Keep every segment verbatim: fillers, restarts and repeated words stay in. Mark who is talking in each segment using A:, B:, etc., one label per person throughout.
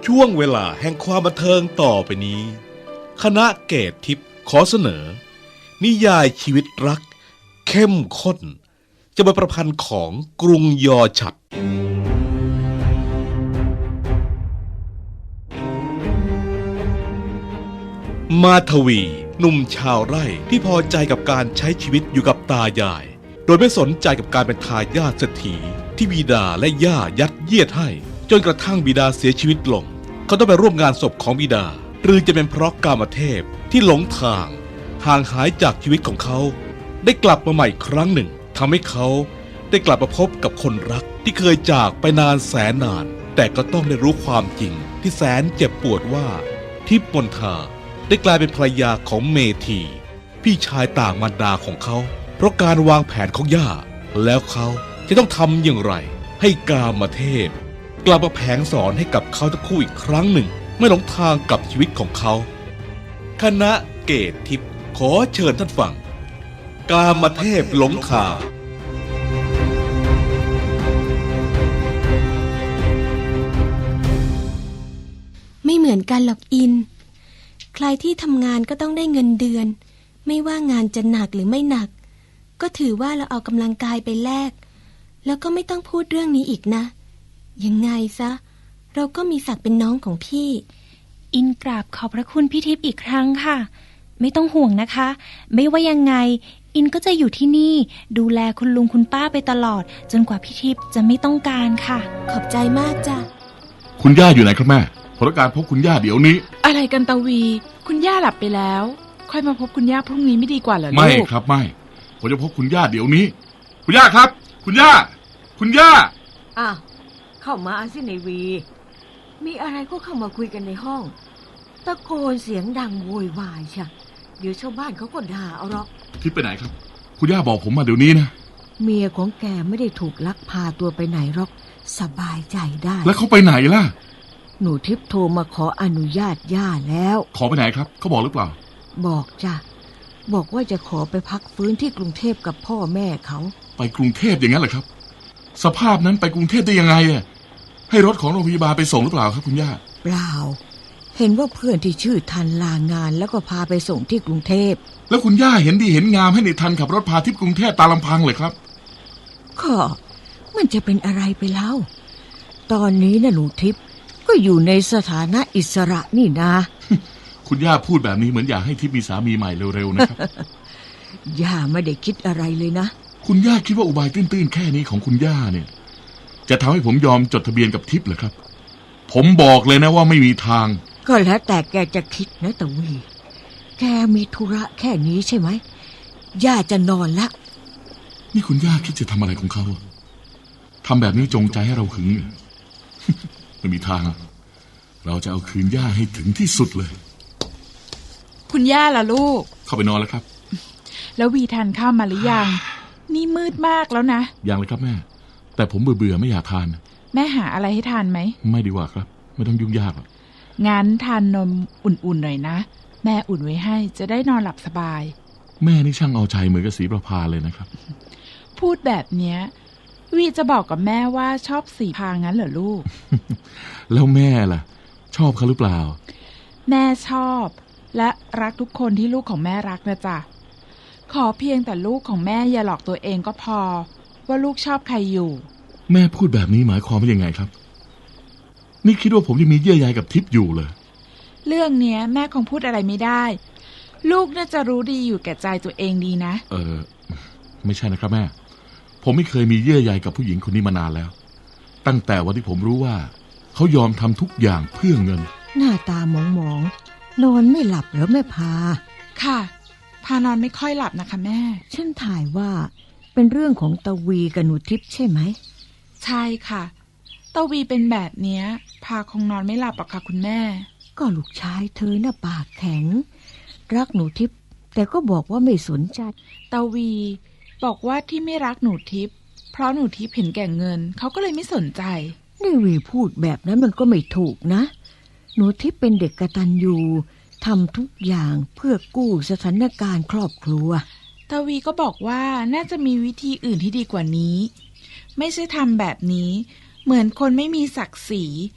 A: ช่วงเวลาแห่งความบันเทิงต่อไปนี้คณะเกตทิพย์ขอเสนอนิยายชีวิตรักเข้มข้นจะเป็นประพันธ์ของกรุงยอฉัตรมาทวีหนุ่มชาวไร่ที่พอใจกับการใช้ชีวิตอยู่กับตายายโดยไม่สนใจกับการเป็นทายาทเศรษฐีที่บิดาและย่ายัดเยียดให้จนกระทั่งบิดาเสียชีวิตลงเขาต้องไปร่วมงานศพของบิดาหรือจะเป็นเพราะกามเทพที่หลงทางห่างหายจากชีวิตของเขาได้กลับมาใหม่ครั้งหนึ่งทำให้เขาได้กลับมาพบกับคนรักที่เคยจากไปนานแสนนานแต่ก็ต้องได้รู้ความจริงที่แสนเจ็บปวดว่าทิพย์มนทาได้กลายเป็นภรรยาของเมธีพี่ชายต่างมารดาของเขาเพราะการวางแผนของย่าแล้วเขาจะต้องทำอย่างไรให้กามเทพกลับมาแผงสอนให้กับเขาทั้งคู่อีกครั้งหนึ่งไม่หลงทางกับชีวิตของเขาคณะเกตทิพย์ขอเชิญท่านฟังกามเทพหลงทาง
B: ไม่เหมือนกันหรอกอินใครที่ทำงานก็ต้องได้เงินเดือนไม่ว่างานจะหนักหรือไม่หนักก็ถือว่าเราเอากำลังกายไปแลกแล้วก็ไม่ต้องพูดเรื่องนี้อีกนะยังไงซะเราก็มีศักดิ์เป็นน้องของพี่
C: อินกราบขอบพระคุณพี่ทิพย์อีกครั้งค่ะไม่ต้องห่วงนะคะไม่ว่ายังไงอินก็จะอยู่ที่นี่ดูแลคุณลุงคุณป้าไปตลอดจนกว่าพี่ทิพย์จะไม่ต้องการค่ะ
B: ขอบใจมากจ้ะ
D: คุณย่าอยู่ไหนครับแม่ขอการพบคุณย่าเดี๋ยวนี้
E: อะไรกันตาวีคุณย่าหลับไปแล้วค่อยมาพบคุณย่าพรุ่งนี้ไม่ดีกว่าเหรอลูก
D: ไม่ครับไม่ผมจะพบคุณย่าเดี๋ยวนี้คุณย่าครับคุณย่าคุณย่า
F: อ้าวเข้ามาสิในวีมีอะไรก็เข้ามาคุยกันในห้องตะโกนเสียงดังโวยวายใช่เดี๋ยวชาวบ้านเขาก็ด่าเอาหรอก
D: ทิพย์ไปไหนครับคุณย่าบอกผมมาเดี๋ยวนี้นะ
F: เมียของแกไม่ได้ถูกลักพาตัวไปไหนหรอกสบายใจได้
D: แล้วเขาไปไหนล่ะ
F: หนูทิพย์โทรมาขออนุญาตย่าแล้ว
D: ขอไปไหนครับเขาบอกหรือเปล่า
F: บอกจ้ะบอกว่าจะขอไปพักฟื้นที่กรุงเทพกับพ่อแม่เขา
D: ไปกรุงเทพอย่างนั้นเหรอครับสภาพนั้นไปกรุงเทพได้ยังไงอ่ะให้รถของโรงพยาบาลไปส่งหรือเปล่าครับคุณย่า
F: เปล่าเห็นว่าเพื่อนที่ชื่อทันลางานแล้วก็พาไปส่งที่กรุงเทพ
D: แล้วคุณย่าเห็นดีเห็นงามให้ในทันขับรถพาทิพย์กรุงเทพตามลำพังเลยครับ
F: ก็มันจะเป็นอะไรไปแล้วตอนนี้นะหนูทิพย์ก็อยู่ในสถานะอิสระนี่นะ
D: คุณย่าพูดแบบนี้เหมือนอยากให้ทิพย์มีสามีใหม่เร็วๆนะครับ
F: ย่าไม่ได้คิดอะไรเลยนะ
D: คุณย่าคิดว่าอุบายตื้นๆแค่นี้ของคุณย่าเนี่ยจะทำให้ผมยอมจดทะเบียนกับทิพย์เหรอครับผมบอกเลยนะว่าไม่มีทาง
F: ก็แล้วแต่แกจะคิดนะตะวีแกมีธุระแค่นี้ใช่ไหมย่าจะนอนละ
D: นี่คุณย่าคิดจะทำอะไรของเขาทำแบบนี้จงใจให้เราหึงไม่มีทางเราจะเอาคืนย่าให้ถึงที่สุดเลย
E: คุณย่าล่ะลูก
D: เข้าไปนอนแล้วครับ
E: แล้ววีทานข้าวมาหรือยังนี่มืดมากแล้วนะ
D: ยังเลยครับแม่แต่ผมเบื่อเบื่อไม่อยากทาน
E: แม่หาอะไรให้ทานไหม
D: ไม่ดีกว่าครับไม่ต้องยุ่งยากหรอก
E: งั้นทานนมอุ่นๆหน่อยนะแม่อุ่นไว้ให้จะได้นอนหลับสบาย
D: แม่นี่ช่างเอาใจเหมือนกับสีประภาเลยนะครับ
E: พูดแบบเนี้ยวีจะบอกกับแม่ว่าชอบสีพางั้นเหรอลูก
D: แล้วแม่ล่ะชอบเขาหรือเปล่า
E: แม่ชอบและรักทุกคนที่ลูกของแม่รักนะจ๊ะขอเพียงแต่ลูกของแม่อย่าหลอกตัวเองก็พอว่าลูกชอบใครอยู่
D: แม่พูดแบบนี้หมายความว่ายังไงครับนี่คิดว่าผมยังมีเยื่อใยกับทิพย์อยู่เลย
E: เรื่องเนี้ยแม่คงพูดอะไรไม่ได้ลูกน่าจะรู้ดีอยู่แก่ใจตัวเองดีนะ
D: เออไม่ใช่นะครับแม่ผมไม่เคยมีเยื่อใยกับผู้หญิงคนนี้มานานแล้วตั้งแต่วันที่ผมรู้ว่าเขายอมทำทุกอย่างเพื่อเงิน
F: หน้าตาหมองๆนอนไม่หลับเหรอแม่พา
E: ค่ะพานอนไม่ค่อยหลับนะคะแม่
F: ฉันถ่ายว่าเป็นเรื่องของตาวีกับหนูทิพย์ใช่ไหม
E: ใช่ค่ะตาวีเป็นแบบเนี้ยพาคงนอนไม่หลับหรอกค่ะคุณแม่
F: ก็ลูกชายเธอน่ะปากแข็งรักหนูทิพย์แต่ก็บอกว่าไม่สนใจ
E: ตาวีบอกว่าที่ไม่รักหนูทิพย์เพราะหนูทิพย์เห็นแก่เงินเขาก็เลยไม่สนใจ
F: นี่วีพูดแบบนั้นมันก็ไม่ถูกนะหนูทิพย์เป็นเด็กกตัญญูทำทุกอย่างเพื่อกู้สถานการณ์ครอบครัว
E: ตาวีก็บอกว่าน่าจะมีวิธีอื่นที่ดีกว่านี้ไม่ใช่ทำแบบนี้เหมือนคนไม่มีศักดิ์ศรีท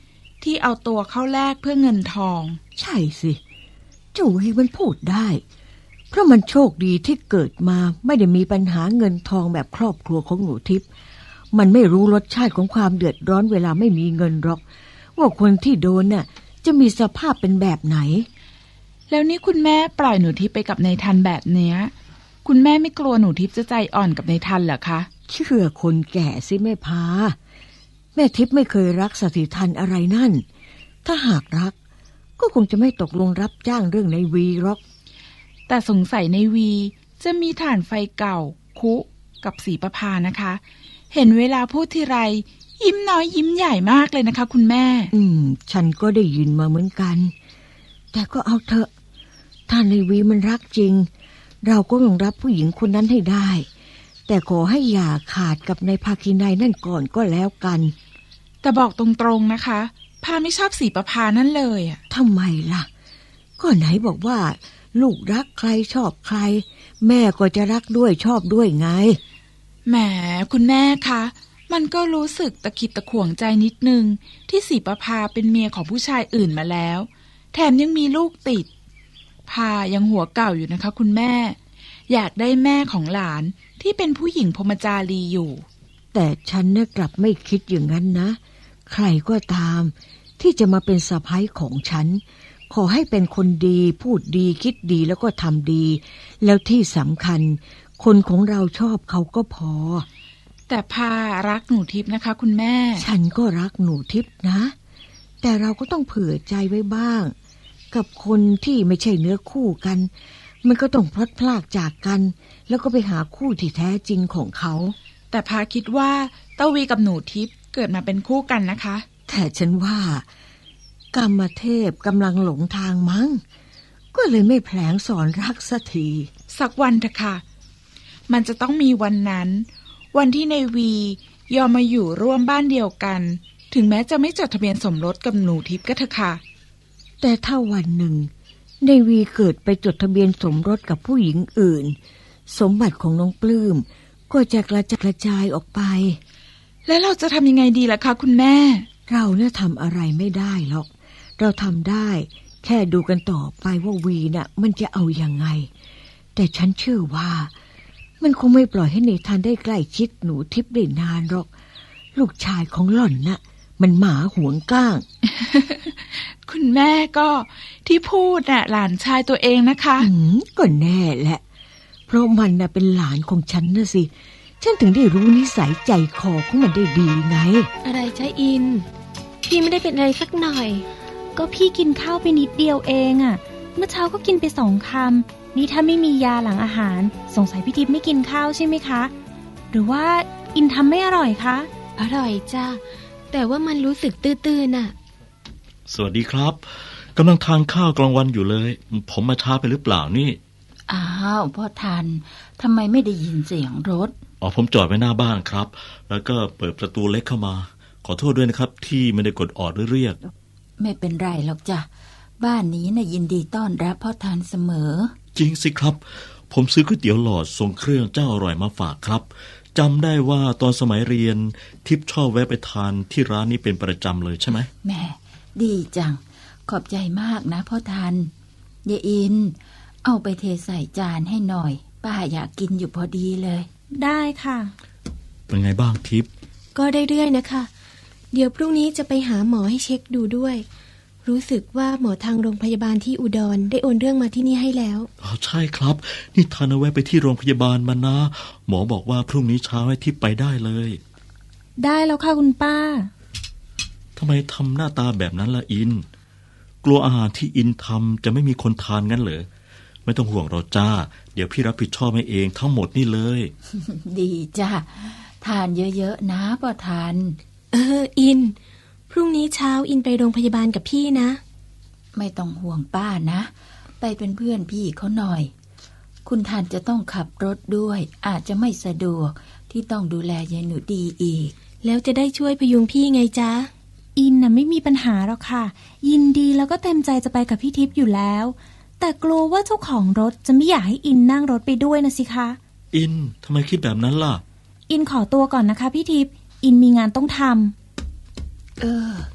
E: ที่เอาตัวเข้าแลกเพื่อเงินทอง
F: ใช่สิเจ้าเวมันพูดได้เพราะมันโชคดีที่เกิดมาไม่ได้มีปัญหาเงินทองแบบครอบครัวของหนูทิพย์มันไม่รู้รสชาติของความเดือดร้อนเวลาไม่มีเงินหรอกว่าคนที่โดนน่ะจะมีสภาพเป็นแบบไหน
E: แล้วนี่คุณแม่ปล่อยหนูทิพย์ไปกับนายทันแบบเนี้ยคุณแม่ไม่กลัวหนูทิพย์จะใจอ่อนกับนายทันเหรอคะ
F: เชื่อคนแก่สิแม่พาแม่ทิพย์ไม่เคยรักสถิทันอะไรนั่นถ้าหากรักก็คงจะไม่ตกลงรับจ้างเรื่องในวีหรอก
E: แต่สงสัยในวีจะมีถ่านไฟเก่าคุกับศรีประภานะคะเห็นเวลาพูดทีไรยิ้มน้อยยิ้มใหญ่มากเลยนะคะคุณแม่
F: อืมฉันก็ได้ยินมาเหมือนกันแต่ก็เอาเถอะถ้าในวีมันรักจริงเราก็ต้องรับผู้หญิงคนนั้นให้ได้แต่ขอให้อย่าขาดกับนายภาคีนายนั่นก่อนก็แล้วกัน
E: แต่บอกตรงๆนะคะพาไม่ชอบศรีประภานั่นเลยอ่ะ
F: ทำไมล่ะก็ไหนบอกว่าลูกรักใครชอบใครแม่ก็จะรักด้วยชอบด้วยไง
E: แหมคุณแม่คะมันก็รู้สึกตะขิดตะขวงใจนิดนึงที่ศรีประภาเป็นเมียของผู้ชายอื่นมาแล้วแถมยังมีลูกติดพายังหัวเก่าอยู่นะคะคุณแม่อยากได้แม่ของหลานที่เป็นผู้หญิงพรหมจารีอยู่
F: แต่ฉันน่ะกลับไม่คิดอย่างนั้นนะใครก็ตามที่จะมาเป็นสะใภ้ของฉันขอให้เป็นคนดีพูดดีคิดดีแล้วก็ทำดีแล้วที่สำคัญคนของเราชอบเขาก็พอ
E: แต่พารักหนูทิพย์นะคะคุณแม่
F: ฉันก็รักหนูทิพย์นะแต่เราก็ต้องเผื่อใจไว้บ้างกับคนที่ไม่ใช่เนื้อคู่กันมันก็ต้องพลัดพรากจากกันแล้วก็ไปหาคู่ที่แท้จริงของเขา
E: แต่พาคิดว่าเต้าวีกับหนูทิพย์เกิดมาเป็นคู่กันนะคะ
F: แต่ฉันว่ากรรมเทพกำลังหลงทางมั้งก็เลยไม่แผลงสอนรักสักที
E: สักวันเถอะค่ะมันจะต้องมีวันนั้นวันที่ในวียอมมาอยู่ร่วมบ้านเดียวกันถึงแม้จะไม่จดทะเบียนสมรสกับหนูทิพย์ก็เถอะค่ะ
F: แต่ถ้าวันหนึ่งในวีเกิดไปจดทะเบียนสมรสกับผู้หญิงอื่นสมบัติของน้องปลื้มก็จะกระจัดกระจายออกไป
E: แล้วเราจะทำยังไงดีล่ะคะคุณแม่
F: เราเนี่ยทำอะไรไม่ได้หรอกเราทำได้แค่ดูกันต่อไปว่าวีน่ะมันจะเอายังไงแต่ฉันเชื่อว่ามันคงไม่ปล่อยให้เนธานได้ใกล้ชิดหนูทิพย์ได้นานหรอกลูกชายของหล่อนน่ะมันหมาหวงก้าง
E: คุณแม่ก็ที่พูดน่ะหลานชายตัวเองนะคะ
F: อืมก็แน่แหละเพราะมันน่ะเป็นหลานของฉันนะสิฉันถึงได้รู้นิสัยใจคอของมันได้ดีไง
B: อะไรใช่อินพี่ไม่ได้เป็นอะไรสักหน่อย
C: ก็พี่กินข้าวไปนิดเดียวเองอ่ะเมื่อเช้าก็กินไปสองคำนี่ถ้าไม่มียาหลังอาหารสงสัยพี่ทิพย์ไม่กินข้าวใช่ไหมคะหรือว่าอินทำไม่อร่อยคะ
B: อร่อยจ้าแต่ว่ามันรู้สึกตื้อๆน่ะ
A: สวัสดีครับกำลังทานข้าวกลางวันอยู่เลยผมมาช้าไปหรือเปล่านี่
G: อ้าวพ่อทันทำไมไม่ได้ยินเสียงรถ
A: อ๋อผมจอดไว้หน้าบ้านครับแล้วก็เปิดประตูเล็กเข้ามาขอโทษด้วยนะครับที่ไม่ได้กดออดหรือเรียก
G: ไม่เป็นไรหรอกจ้ะบ้านนี้น่ะยินดีต้อนรับพ่อทันเสมอ
A: จริงสิครับผมซื้อก๋วยเตี๋ยวหลอดทรงเครื่องเจ้าอร่อยมาฝากครับจำได้ว่าตอนสมัยเรียนทิพย์ชอบแวะไปทานที่ร้านนี้เป็นประจำเลยใช่ไหม
G: แม่ดีจังขอบใจมากนะพ่อทันยายอินเอาไปเทใส่จานให้หน่อยป้าอยากกินอยู่พอดีเลย
C: ได้ค่ะ
A: เป็นไงบ้างทิพย์
B: ก็ได้เรื่อยนะคะเดี๋ยวพรุ่งนี้จะไปหาหมอให้เช็คดูด้วยรู้สึกว่าหมอทางโรงพยาบาลที่อุดรได้โอนเรื่องมาที่นี่ให้แล้ว
A: อ๋อใช่ครับนี่ทานเอาไว้ไปที่โรงพยาบาลมานะหมอบอกว่าพรุ่งนี้เช้าให้ทิพย์ไปได้เลย
C: ได้แล้วค่ะคุณป้า
A: ทำไมทำหน้าตาแบบนั้นล่ะอินกลัวอาหารที่อินทำจะไม่มีคนทานงั้นเหรอไม่ต้องห่วงเราจ้าเดี๋ยวพี่รับผิดชอบให้เองทั้งหมดนี่เลย
G: ดีจ้าทานเยอะๆนะพ่อทัน
B: เอออินพรุ่งนี้เช้าอินไปโรงพยาบาลกับพี่นะ
G: ไม่ต้องห่วงป้านะไปเป็นเพื่อนพี่เขาหน่อยคุณทันจะต้องขับรถด้วยอาจจะไม่สะดวกที่ต้องดูแลยายหนูดีอีก
B: แล้วจะได้ช่วยพยุงพี่ไงจ๊ะ
C: อินน่ะไม่มีปัญหาหรอกค่ะยินดีแล้วก็เต็มใจจะไปกับพี่ทิพย์อยู่แล้วแต่กลัวว่าเจ้าของรถจะไม่อยากให้อินนั่งรถไปด้วยนะสิคะ
A: อินทำไมคิดแบบนั้นล่ะ
C: อินขอตัวก่อนนะคะพี่ทิพย์อินมีงานต้องทำ
G: เออ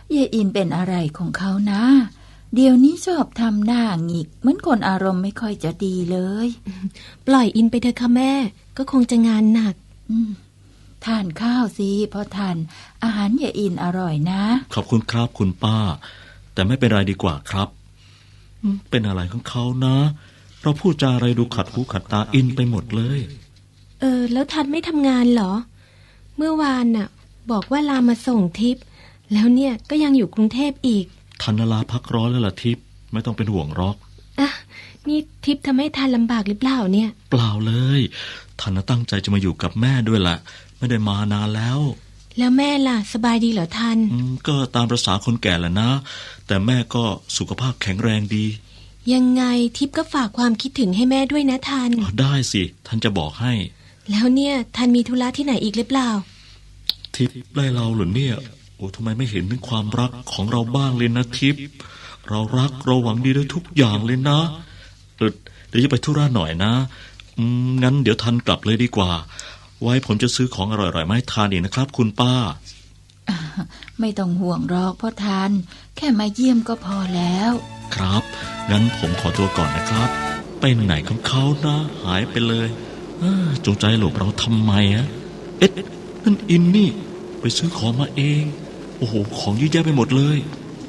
G: ยายอินเป็นอะไรของเขานะเดี๋ยวนี้ชอบทำหน้าหงิกเหมือนคนอารมณ์ไม่ค่อยจะดีเลย
B: ปล่อยอินไปเถอะค่ะแม่ก็คงจะงานหนัก
G: ทานข้าวสิพอทานอาหารยายอินอร่อยนะ
H: ขอบคุณครับคุณป้าแต่ไม่เป็นไรดีกว่าครับเป็นอะไรของเขานะเราพูดจาอะไรดูขัดหูขัดตาอินไปหมดเลย
B: เออแล้วทันไม่ทำงานเหรอเมื่อวานน่ะบอกว่าลามาส่งทิพย์แล้วเนี่ยก็ยังอยู่กรุงเทพอีก
H: ทันลาพักร้อนแล้วล่ะทิพย์ไม่ต้องเป็นห่วงหรอก
B: อ่ะนี่ทิพย์ทำให้ทันลำบากหรือเปล่าเนี่ย
H: เปล่าเลยทันตั้งใจจะมาอยู่กับแม่ด้วยล่ะไม่ได้มานานแล้ว
B: แล้วแม่ล่ะสบายดีเหรอทัน
H: ก็ตามประสาคนแก่แหละนะแต่แม่ก็สุขภาพแข็งแรงดี
B: ยังไงทิพย์ก็ฝากความคิดถึงให้แม่ด้วยนะทัน
H: ได้สิทันจะบอกให้
B: แล้วเนี่ยทันมีธุระที่ไหนอีกหรือเปล่า
H: ทิพย์ไล่เราหรือเนี่ยโอ้ทำไมไม่เห็นถึงความรักของเราบ้างเลยนะทิพย์เรารักเราหวังดีด้วยทุกอย่างเลยนะเออเดี๋ยวจะไปธุระหน่อยนะอืมงั้นเดี๋ยวทันกลับเลยดีกว่าไว้ผมจะซื้อของอร่อยๆมาให้ทานอีกนะครับคุณป้า
G: ไม่ต้องห่วงหรอกพ่อทานแค่มาเยี่ยมก็พอแล้ว
H: ครับงั้นผมขอตัวก่อนนะครับไปไหนของเขานะหายไปเลยจงใจหลบเราทำไมฮะเอ๊ะนั่นอินนี่ไปซื้อของมาเองโอ้โหของเยอะแยะไปหมดเลย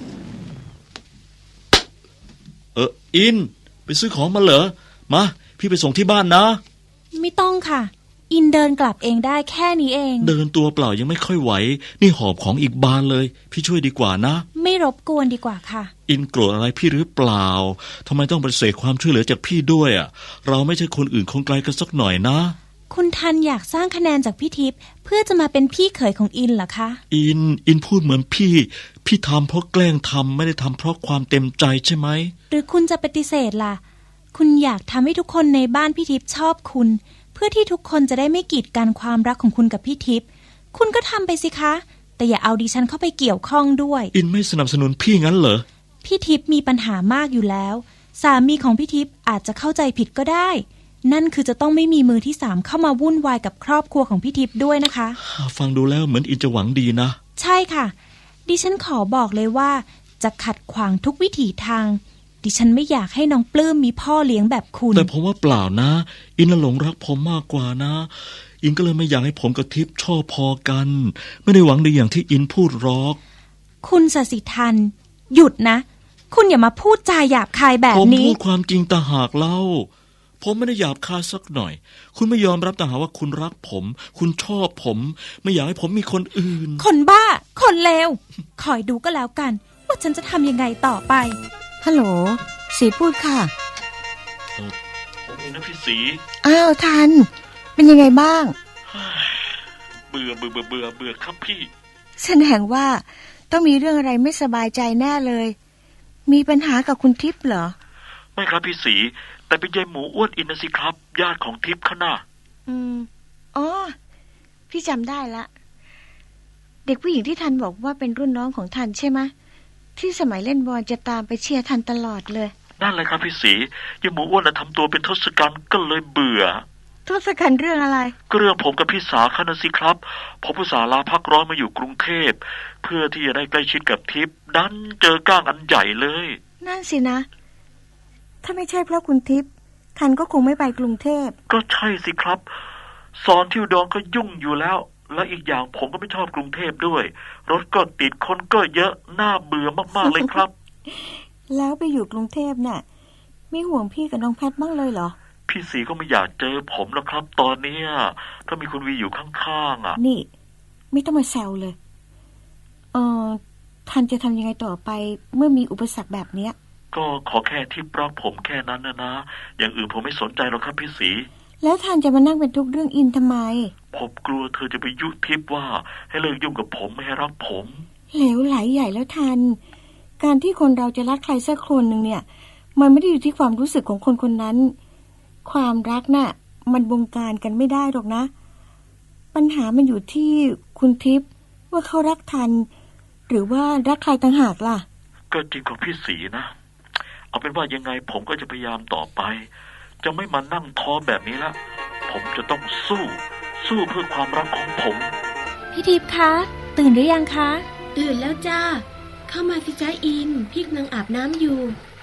H: เอออินไปซื้อของมาเหรอมาพี่ไปส่งที่บ้านนะ
C: ไม่ต้องค่ะอินเดินกลับเองได้แค่นี้เอง
H: เดินตัวเปล่ายังไม่ค่อยไหวนี่หอบของอีกบานเลยพี่ช่วยดีกว่านะ
C: ไม่รบกวนดีกว่าค่ะ
H: อินโกรธอะไรพี่หรือเปล่าทำไมต้องปฏิเสธความช่วยเหลือจากพี่ด้วยอ่ะเราไม่ใช่คนอื่นคงไกลกันสักหน่อยนะ
C: คุณทันอยากสร้างคะแนนจากพี่ทิพย์เพื่อจะมาเป็นพี่เขยของอินเหรอคะ
H: อินอินพูดเหมือนพี่พี่ทำเพราะแกล้งทำไม่ได้ทำเพราะความเต็มใจใช่ไหม
C: หรือคุณจะปฏิเสธล่ะคุณอยากทำให้ทุกคนในบ้านพี่ทิพย์ชอบคุณเพื่อที่ทุกคนจะได้ไม่กีดกันความรักของคุณกับพี่ทิพย์คุณก็ทำไปสิคะแต่อย่าเอาดิฉันเข้าไปเกี่ยวข้องด้วย
H: อินไม่สนับสนุนพี่งั้นเหรอ
C: พี่ทิพย์มีปัญหามากอยู่แล้วสามีของพี่ทิพย์อาจจะเข้าใจผิดก็ได้นั่นคือจะต้องไม่มีมือที่สามเข้ามาวุ่นวายกับครอบครัวของพี่ทิพย์ด้วยนะคะ
H: ฟังดูแล้วเหมือนอินจะหวังดีนะ
C: ใช่ค่ะดิฉันขอบอกเลยว่าจะขัดขวางทุกวิถีทางดิฉันไม่อยากให้น้องปลื้มมีพ่อเลี้ยงแบบคุณ
H: แต่ผมว่าเปล่านะอินหลงรักผมมากกว่านะอินก็เลยไม่อยากให้ผมกับทิพย์ชอบพอกันไม่ได้หวังดีอย่างที่อินพูดหรอก
C: คุณศศิทันหยุดนะคุณอย่ามาพูดจาหยาบคายแบบนี้
H: ผมพูดความจริงต่างหากเล่าผมไม่ได้หยาบคายสักหน่อยคุณไม่ยอมรับต่างหากว่าคุณรักผมคุณชอบผมไม่อยากให้ผมมีคนอื่น
C: คนบ้าคนเลวคอยดูก็แล้วกันว่าฉันจะทำยังไงต่อไป
F: ฮัลโหลสีพูดค่ะ
H: ผมเองนะพี่สี
F: อ้าวทันเป็นยังไงบ้าง
H: เบื่อเบื่อเบื่อเบื่อเบื่อครับพี่
F: แสดงว่าต้องมีเรื่องอะไรไม่สบายใจแน่เลยมีปัญหากับคุณทิพย์เหรอ
H: ไม่ครับพี่สีแต่เป็นยายหมูอ้วนอินนะสิครับญาติของทิพย์เขาน่ะ
F: อืมอ๋อพี่จำได้ละเด็กผู้หญิงที่ทันบอกว่าเป็นรุ่นน้องของทันใช่ไหมที่สมัยเล่นบอลจะตามไปเชียร์ทันตลอดเลย
H: นั่นเลยครับพี่สียายหมูอ้วนน่ะทำตัวเป็นทศกัณฐ์ก็เลยเบื่อ
F: ทศกัณฐ์เรื่องอะไร
H: ก็เรื่องผมกับพี่สาเขาน่ะสิครับผมอุตส่าห์ลาพักร้อนมาอยู่กรุงเทพเพื่อที่จะได้ใกล้ชิดกับทิพย์ดันเจอก้างอันใหญ่เลย
F: นั่นสินะถ้าไม่ใช่เพราะคุณทิพย์ทันก็คงไม่ไปกรุงเทพ
H: ก็ใช่สิครับสอนที่อุดรก็ยุ่งอยู่แล้วและอีกอย่างผมก็ไม่ชอบกรุงเทพด้วยรถก็ติดคนก็เยอะน่าเบื่อมากๆเลยครับ
F: แล้วไปอยู่กรุงเทพน่ะไม่ห่วงพี่กับน้องแพทบ้างเลยเหรอ
H: พี่สีก็ไม่อยากเจอผมแล้วครับตอนนี้ถ้ามีคุณวีอยู่ข้างๆอ่ะ
F: นี่ไม่ต้องมาแซวเลยเออทันจะทำยังไงต่อไปเมื่อมีอุปสรรคแบบเนี้ย
H: ก็ขอแค่ที่รักผมแค่นั้นนะนะอย่างอื่นผมไม่สนใจหรอกครับพี่สี
F: แล้วทันจะมานั่งเป็นทุกเรื่องอินทำไม
H: ผมกลัวเธอจะไปยุทิพย์ว่าให้เลิกยุ่งกับผมไม่ให้รักผม
F: เหลวไหลใหญ่แล้วทันการที่คนเราจะรักใครสักคนหนึ่งเนี่ยมันไม่ได้อยู่ที่ความรู้สึกของคนคนนั้นความรักน่ะมันบงการกันไม่ได้หรอกนะปัญหามันอยู่ที่คุณทิพย์ว่าเขารักทันหรือว่ารักใครต่างหากล่ะ
H: ก็จริงของพี่สีนะเอาเป็นว่ายังไงผมก็จะพยายามต่อไปจะไม่มานั่งท้อแบบนี้ละผมจะต้องสู้สู้เพื่อความรักของผม
C: พี่ทิพย์คะตื่นหรือยังคะ
B: ตื่นแล้วจ้าเข้ามาสิจ้าอินพี่กำลังอาบน้ำอยู่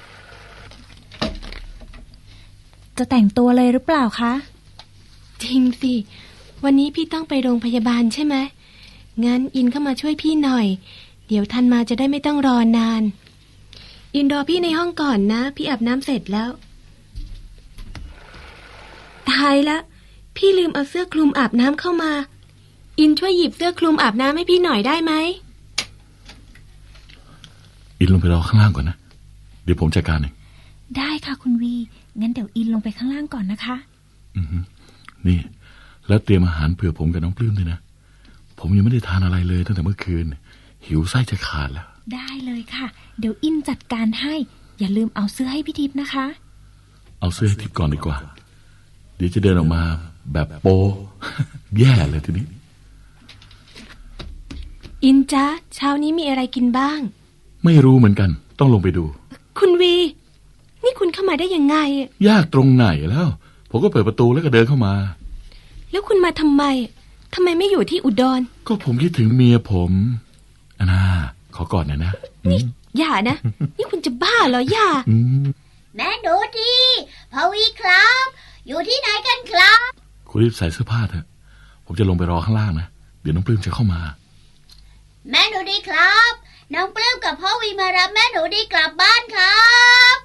C: จะแต่งตัวเลยหรือเปล่าคะ
B: จริงสิวันนี้พี่ต้องไปโรงพยาบาลใช่ไหมงั้นอินเข้ามาช่วยพี่หน่อยเดี๋ยวทันมาจะได้ไม่ต้องรอนานอินรอพี่ในห้องก่อนนะพี่อาบน้ำเสร็จแล้วตายละพี่ลืมเอาเสื้อคลุมอาบน้ำเข้ามาอินช่วยหยิบเสื้อคลุมอาบน้ำให้พี่หน่อยได้ไหม
D: อินลงไปรอข้างล่างก่อนนะเดี๋ยวผมจัดการเอง
C: ได้ค่ะคุณวีงั้นเดี๋ยวอินลงไปข้างล่างก่อนนะคะ
D: อือนี่แล้วเตรียมอาหารเผื่อผมกับน้องปลื้มด้วยนะผมยังไม่ได้ทานอะไรเลยตั้งแต่เมื่อคืนหิวไส้จะขาดแล้ว
C: ได้เลยค่ะเดี๋ยวอินจัดการให้อย่าลืมเอาเสื้อให้พี่ทิพย์นะคะ
D: เอาเสื้อให้ทิพย์ก่อนดีกว่าเดี๋ยวจะเดินออกมาแบบโป แย่เลยทีนี้
B: อินจ๊ะเช้านี้มีอะไรกินบ้าง
D: ไม่รู้เหมือนกันต้องลงไปดู
B: คุณวีนี่คุณเข้ามาได้ยังไง
D: ยากตรงไหนแล้วผมก็เปิดประตูแล้วก็เดินเข้ามา
B: แล้วคุณมาทำไมทำไมไม่อยู่ที่อุดร
D: ก็ผมคิดถึงเมียผมอนาขอกอดหน่อยนะ
B: นี่อย่านะนี่คุณจะบ้าเหรออย่า
I: แม่หนูดีพ่อวีครับอยู่ที่ไหนกันครับ
D: คุณรีบใส่เสื้อผ้าเถอะผมจะลงไปรอข้างล่างนะเดี๋ยวน้องปลื้มจะเข้ามา
I: แม่หนูดีครับน้องปลื้มกับพ่อวีมารับแม่หนูดีกลับบ้านครับ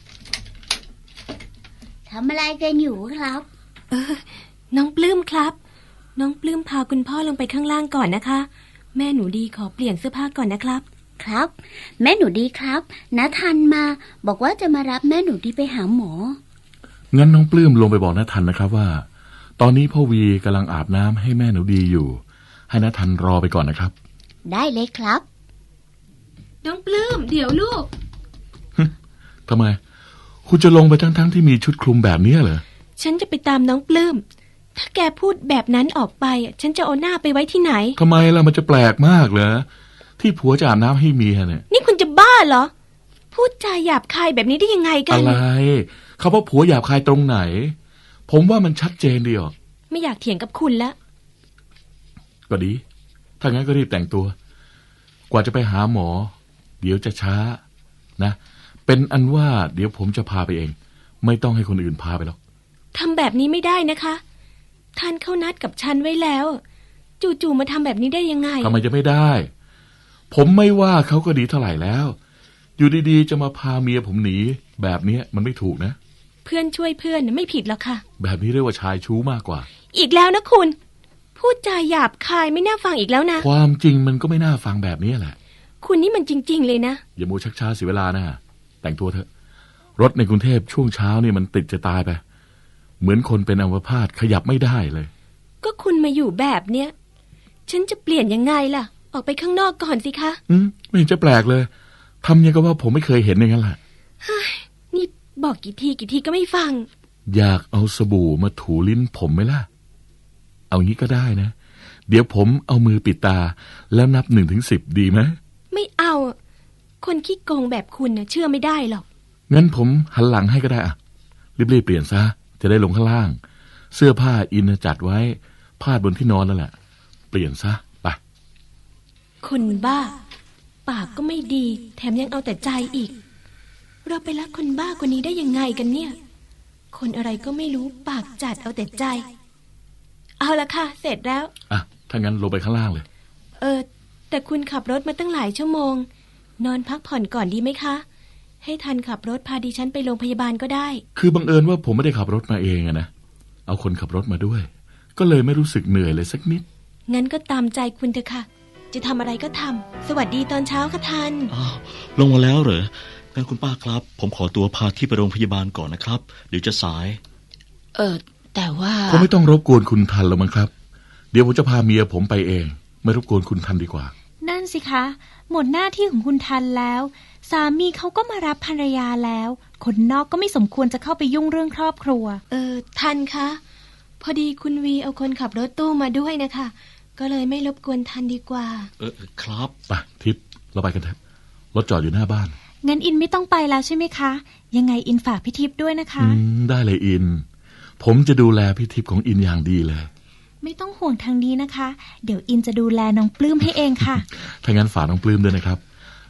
I: ทำอะไรกันอยู่ครับ
B: เออน้องปลื้มครับน้องปลื้มพาคุณพ่อลงไปข้างล่างก่อนนะคะแม่หนูดีขอเปลี่ยนเสื้อผ้าก่อนนะครับ
I: ครับแม่หนูดีครับน้าทันมาบอกว่าจะมารับแม่หนูดีไปหาหมอ
D: งั้นน้องปลื้มลงไปบอกน้าทันนะครับว่าตอนนี้พ่อวีกำลังอาบน้ำให้แม่หนูดีอยู่ให้น้าทันรอไปก่อนนะครับ
I: ได้เลยครับ
B: น้องปลื้มเดี๋ยวลูก
D: ทำไมคุณจะลงไปทั้งๆที่มีชุดคลุมแบบนี้เหรอ
B: ฉันจะไปตามน้องปลื้มถ้าแกพูดแบบนั้นออกไปฉันจะเอาหน้าไปไว้ที่ไหน
D: ทำไมล่ะมันจะแปลกมากเหรอที่ผัวจะอาบน้ำให้เมียเนี่ย
B: นี่คุณจะบ้าเหรอพูดจาหยาบคายแบบนี้ได้ยังไงกัน
D: อะไรเขาว่าผัวหยาบคายตรงไหนผมว่ามันชัดเจนดีออก
B: ไม่อยากเถียงกับคุณละ
D: ก็ดีถ้างั้นก็รีบแต่งตัวกว่าจะไปหาหมอเดี๋ยวจะช้านะเป็นอันว่าเดี๋ยวผมจะพาไปเองไม่ต้องให้คนอื่นพาไปหรอก
B: ทำแบบนี้ไม่ได้นะคะท่านเข้านัดกับฉันไว้แล้วจู่ๆมาทำแบบนี้ได้ยังไง
D: ทำไมจะไม่ได้ผมไม่ว่าเขาก็ดีเท่าไหร่แล้วอยู่ดีๆจะมาพาเมียผมหนีแบบนี้มันไม่ถูกนะ
B: เพื่อนช่วยเพื่อนไม่ผิดหรอกค่ะ
D: แบบนี้เรียกว่าชายชู้มากกว่า
B: อีกแล้วนะคุณพูดจาหยาบคายไม่น่าฟังอีกแล้วนะ
D: ความจริงมันก็ไม่น่าฟังแบบนี้แหละ
B: คุณนี่มันจริงๆเลยนะ
D: อย่ามัวชักช้าเสียเวลานะแต่งตัวเถอะรถในกรุงเทพช่วงเช้านี่มันติดจะตายไปเหมือนคนเป็นอัมพาตขยับไม่ได้เลย
B: ก็คุณมาอยู่แบบเนี้ยฉันจะเปลี่ยนยังไงล่ะออกไปข้างนอกก่อนสิคะ
D: อืมไม่เห็นจะแปลกเลยทำยังก็ว่าผมไม่เคยเห็นอย่างนั้นแหละ
B: นี่บอกกี่ทีกี่ทีก็ไม่ฟัง
D: อยากเอาสบู่มาถูลิ้นผมไหมล่ะเอางี้ก็ได้นะเดี๋ยวผมเอามือปิดตาแล้วนับหนึ่งถึงสิบดีไหม
B: ไม่เอาคนขี้โกงแบบคุณนะเชื่อไม่ได้หรอก
D: งั้นผมหันหลังให้ก็ได้อะรีบๆเปลี่ยนซะจะได้ลงข้างล่างเสื้อผ้าอินจัดไว้พาดบนที่นอนนั่นแหละเปลี่ยนซะไป
B: คนบ้าปากก็ไม่ดีแถมยังเอาแต่ใจอีกเราไปรักคนบ้ากว่านี้ได้ยังไงกันเนี่ยคนอะไรก็ไม่รู้ปากจัดเอาแต่ใจเอาละค่ะเสร็จแล้ว
D: อ่ะถ้างั้นลงไปข้างล่างเลย
B: เออแต่คุณขับรถมาตั้งหลายชั่วโมงนอนพักผ่อนก่อนดีไหมคะให้ทันขับรถพาดิฉันไปโรงพยาบาลก็ได้
D: คือบังเอิญว่าผมไม่ได้ขับรถมาเองอะนะเอาคนขับรถมาด้วยก็เลยไม่รู้สึกเหนื่อยเลยสักนิด
B: งั้นก็ตามใจคุณเถอะค่ะจะทำอะไรก็ทำสวัสดีตอนเช้าค่ะทัน
H: อ้าวลงมาแล้วเหรองั้นคุณป้าครับผมขอตัวพาที่ไปโรงพยาบาลก่อนนะครับเดี๋ยวจะสาย
G: เออแต่ว่า
D: คงไม่ต้องรบกวนคุณทันแล้วมั้งครับเดี๋ยวผมจะพาเมียผมไปเองไม่รบกวนคุณทันดีกว่า
C: นั่นสิคะหมดหน้าที่ของคุณทันแล้วสามีเขาก็มารับภรรยาแล้วคนนอกก็ไม่สมควรจะเข้าไปยุ่งเรื่องครอบครัว
B: เออทันคะพอดีคุณวีเอาคนขับรถตู้มาด้วยนะคะก็เลยไม่รบกวนทันดีกว่า
H: เออครับ
D: ไปทิพย์เราไปกันเถอะรถจอดอยู่หน้าบ้าน
C: งั้นอินไม่ต้องไปแล้วใช่ไหมคะยังไงอินฝากพี่ทิพย์ด้วยนะคะ
D: อืมได้เลยอินผมจะดูแลพี่ทิพย์ของอินอย่างดีเลย
C: ไม่ต้องห่วงทางนี้นะคะเดี๋ยวอินจะดูแลน้องปลื้มให้เองค่ะ
D: ถ้างั้นฝากน้องปลื้มด้วยนะครับ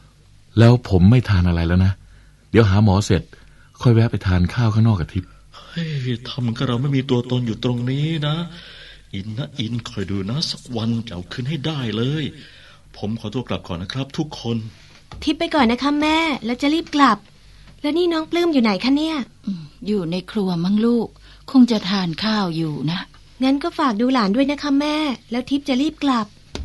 D: แล้วผมไม่ทานอะไรแล้วนะเดี๋ยวหาหมอเสร็จค่อยแวะไปทานข้าวข้างนอกกับทิพย์
H: เฮ้ยทำกับเราไม่มีตัวตนอยู่ตรงนี้นะอินนะอินคอยดูนะสักวันจะเอาคืนให้ได้เลยผมขอตัวกลับก่อนนะครับทุกคน
B: ทิพย์ไปก่อนนะคะแม่แล้วจะรีบกลับ แล้วนี่น้องปลื้มอยู่ไหนคะเนี่ย
G: อยู่ในครัวมั้งลูกคงจะทานข้าวอยู่นะ
B: งั้นก็ฝากดูหลานด้วยนะคะแม่แล้วทิพย์จะรีบกลับ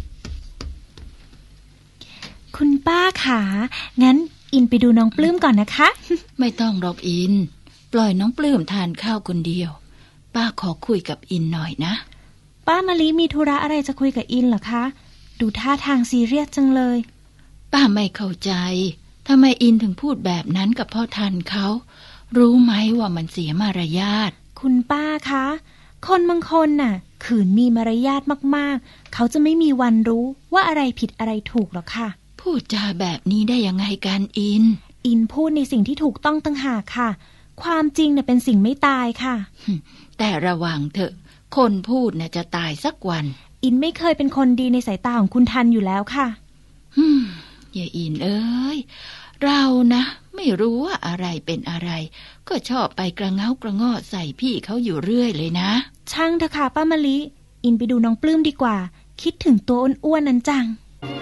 C: คุณป้าขางั้นอินไปดูน้องปลื้มก่อนนะคะ
G: ไม่ต้องหรอกอินปล่อยน้องปลื้มทานข้าวคนเดียวป้าขอคุยกับอินหน่อยนะ
C: ป้ามะลิมีธุระอะไรจะคุยกับอินเหรอคะดูท่าทางซีเรียสจังเลย
G: ป้าไม่เข้าใจทำไมอินถึงพูดแบบนั้นกับพ่อทันเขารู้ไหมว่ามันเสียมารยาท
C: คุณป้าคะคนบางคนน่ะขืนมีมารยาทมากๆเขาจะไม่มีวันรู้ว่าอะไรผิดอะไรถูกหรอกค่ะ
G: พูดจาแบบนี้ได้ยังไงกันอิน
C: อินพูดในสิ่งที่ถูกต้องตั้งหากค่ะความจริงน่ะเป็นสิ่งไม่ตายค่ะ
G: แต่ระวังเถอะคนพูดน่ะจะตายสักวัน
C: อินไม่เคยเป็นคนดีในสายตาของคุณทันอยู่แล้วค่ะ
G: ฮึมอย่าอินเอ้ยเรานะไม่รู้ว่าอะไรเป็นอะไรก็ชอบไปกระเง้ากระงอใส่พี่เขาอยู่เรื่อยเลยนะ
C: ช่างเถอะค่ะป้ามะลิอินไปดูน้องปลื้มดีกว่าคิดถึงตัวอ้วนๆนั้นจัง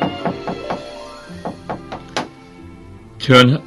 D: เชิญฮะ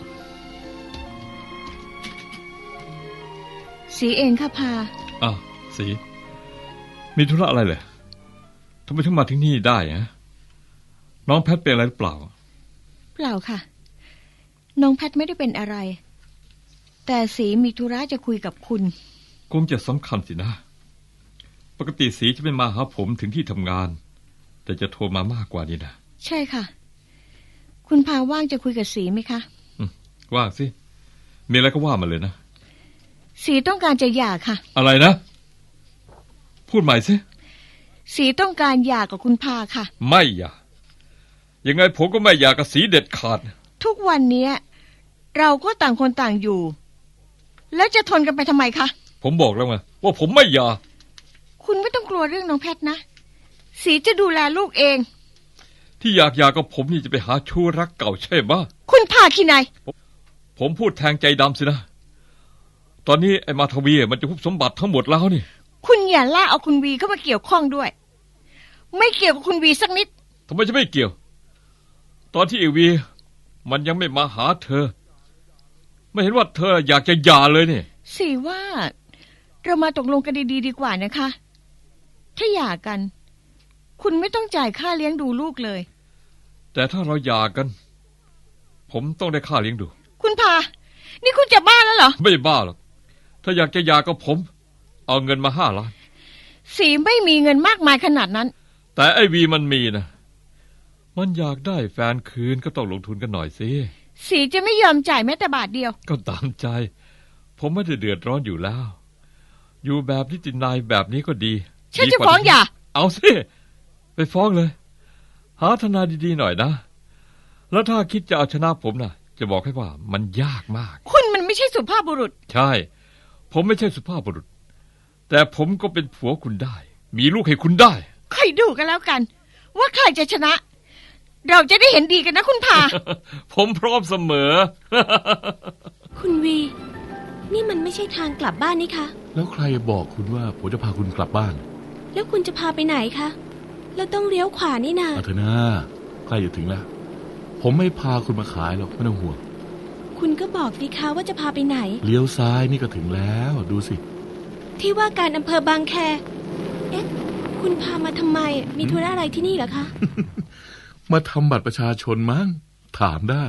F: สีเองค่ะพา
J: อ้าวสีมีธุระอะไรเลยทำไมถึงมาถึงนี่ได้ฮะน้องแพทเป็นอะไรหรือเปล่า
F: เปล่าค่ะน้องแพทไม่ได้เป็นอะไรแต่สีมีธุระจะคุยกับคุณ
J: คงจะสำคัญสินะปกติสีจะไม่มาหาผมถึงที่ทำงานแต่จะโทรมามากกว่านี้นะ
F: ใช่ค่ะคุณพาว่างจะคุยกับสีไหมคะ
J: ว่างสิมีอะไรก็ว่ามาเลยนะ
F: สีต้องการจะหย่าค่ะ
J: อะไรนะพูดใหม่สิ
F: สีต้องการหย่ากับคุณพาค่ะ
J: ไม่หย่ายังไงผมก็ไม่หย่ากับสีเด็ดขาด
F: ทุกวันนี้เราก็ต่างคนต่างอยู่แล้วจะทนกันไปทำไมคะ
J: ผมบอกแล้วไงว่าผมไม่หย่า
F: คุณไม่ต้องกลัวเรื่องน้องแพทนะสีจะดูแลลูกเอง
J: ที่อยากหย่ากับผมนี่จะไปหาชู้รักเก่าใช่ไหม
F: คุณพาขี้นาย
J: ผมพูดแทงใจดำสินะตอนนี้ไอ้มาทวีมันจะคุบสมบัติทั้งหมดแล้วนี่
F: คุณอย่าล่าเอาคุณวีเข้ามาเกี่ยวข้องด้วยไม่เกี่ยวกับคุณวีสักนิด
J: ทำไมจะไม่เกี่ยวตอนที่ไอ้วีมันยังไม่มาหาเธอไม่เห็นว่าเธออยากจะหย่าเลยนี่
F: สิว่าเรามาตกลงกันดีๆดีกว่านะคะถ้าหย่ากันคุณไม่ต้องจ่ายค่าเลี้ยงดูลูกเลย
J: แต่ถ้าเราหย่ากันผมต้องได้ค่าเลี้ยงดู
F: คุณพานี่คุณจะบ้าแล้วเหรอ
J: ไม่บ้าหรอกถ้าอยากจะหย่ากับผมเอาเงินมาห้าล้าน
F: สีไม่มีเงินมากมายขนาดนั้น
J: แต่ไอ้วีมันมีนะมันอยากได้แฟนคืนก็ต้องลงทุนกันหน่อยสิ
F: สีจะไม่ยอมจ่ายแม้แต่บาทเดียว
J: ก็ตามใจผมไม่ได้เดือดร้อนอยู่แล้วอยู่แบบนิตินายแบบนี้ก็ดี
F: ฉันจะฟ้องหย่า
J: เอาสิไปฟ้องเลยหาทนายดีๆหน่อยนะแล้วถ้าคิดจะเอาชนะผมนะจะบอกให้ว่ามันยากมาก
F: คุณมันไม่ใช่สุภาพบุรุษ
J: ใช่ผมไม่ใช่สุภาพบุรุษแต่ผมก็เป็นผัวคุณได้มีลูกให้คุณได้
F: ค่อยดูกันแล้วกันว่าใครจะชนะเราจะได้เห็นดีกันนะคุณพา
J: ผมพร้อมเสมอ
B: คุณวีนี่มันไม่ใช่ทางกลับบ้านนี่คะ
D: แล้วใครบอกคุณว่าผมจะพาคุณกลับบ้าน
B: แล้วคุณจะพาไปไหนคะเราต้องเลี้ยวขวานี่นา
D: อาเถอะนะใกล้จะถึงแล้วผมไม่พาคุณมาขายหรอกไม่ต้องห่วง
B: คุณก็บอกสิคะว่าจะพาไปไหน
D: เลี้ยวซ้ายนี่ก็ถึงแล้วดูสิ
B: ที่ว่าการอำเภอบางแคเอ๊ะคุณพามาทำไมมีธุระอะไรที่นี่เหรอคะ
D: มาทำบัตรประชาชนมั้งถามได้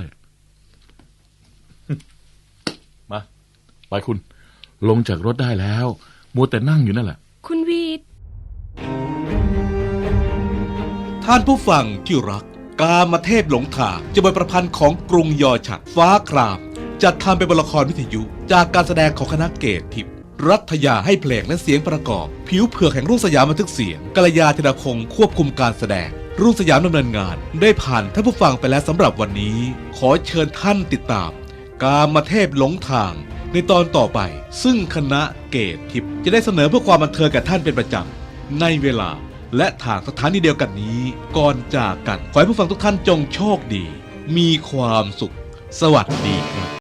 D: มาไปคุณลงจากรถได้แล้วมัวแต่นั่งอยู่นั่นแหละ
B: คุณวีด
A: ท่านผู้ฟังที่รักกามเทพหลงทางจะบทประพันธ์ของกรุงยอฉัดฟ้าครามจัดทำเป็นละครวิทยุจากการแสดงของคณะเกตทิพย์รัฐยาให้เพลงและเสียงประกอบผิวเผือกแห่งรุ่งสยามบันทึกเสียงกัลยาธนาคงควบคุมการแสดงรุ่งสยามดำเนินงานได้ผ่านท่านผู้ฟังไปแล้วสำหรับวันนี้ขอเชิญท่านติดตามกามเทพหลงทางในตอนต่อไปซึ่งคณะเกตทิพย์จะได้เสนอเพื่อความบันเทิงแก่ท่านเป็นประจำในเวลาและทางสถานีเดียวกันนี้ก่อนจากกันขอให้ผู้ฟังทุกท่านจงโชคดีมีความสุข สวัสดีครับ